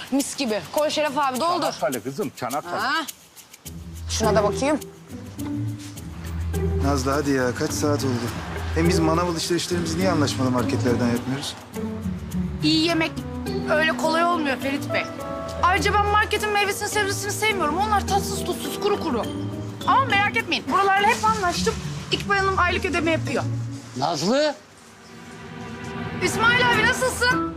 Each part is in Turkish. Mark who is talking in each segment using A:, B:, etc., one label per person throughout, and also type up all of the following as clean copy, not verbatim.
A: Mis gibi. Koy Şeref abi doldur.
B: Çanakkale kızım, Çanakkale.
A: Ha. Şuna da bakayım.
C: Nazlı hadi ya kaç saat oldu? Hem biz manav alışverişlerimizi niye anlaşmalı marketlerden yapmıyoruz?
A: İyi yemek öyle kolay olmuyor Ferit Bey. Ayrıca ben marketin meyvesini sebzesini sevmiyorum. Onlar tatsız tuzsuz kuru kuru. Ama merak etmeyin buralarla hep anlaştım. İkbal Hanım aylık ödeme yapıyor.
D: Nazlı,
A: İsmail abi nasılsın?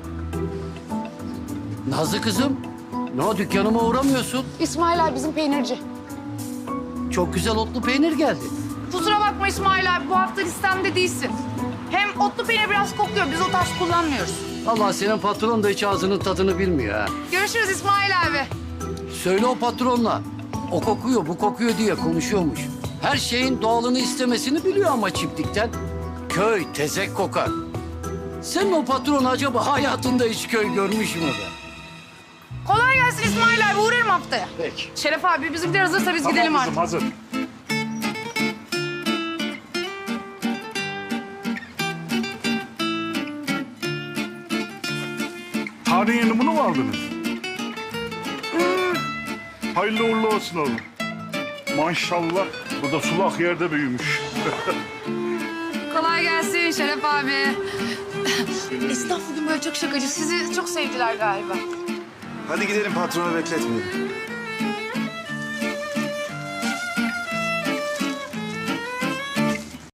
D: Nazlı kızım. Ne o, dükkanıma uğramıyorsun?
A: İsmail abi bizim peynirci.
D: Çok güzel otlu peynir geldi.
A: Kusura bakma İsmail abi bu hafta listemde değilsin. Hem otlu peynir biraz kokuyor. Biz o tarz kullanmıyoruz.
D: Allah, senin patron da hiç ağzının tadını bilmiyor ha.
A: Görüşürüz İsmail abi.
D: Söyle o patronla. O kokuyor, bu kokuyor diye konuşuyormuş. Her şeyin doğalını istemesini biliyor ama çiftlikten. Köy tezek kokar. Senin o patron acaba hayatında hiç köy görmüş mü be?
A: Kolay gelsin İsmail abi. Uğrarım haftaya.
D: Peki.
A: Şeref abi bizimkiler hazırsa biz
B: Tamam
A: gidelim
B: kızım,
A: artık.
B: hazır. Tarih yenimini mu aldınız? Hayırlı uğurlu olsun oğlum. Maşallah, bu da sulak yerde büyümüş.
A: Kolay gelsin Şeref abi. Esnaf bugün böyle çok şakacı. Sizi çok sevdiler galiba.
C: Hadi gidelim patronu bekletmeyelim.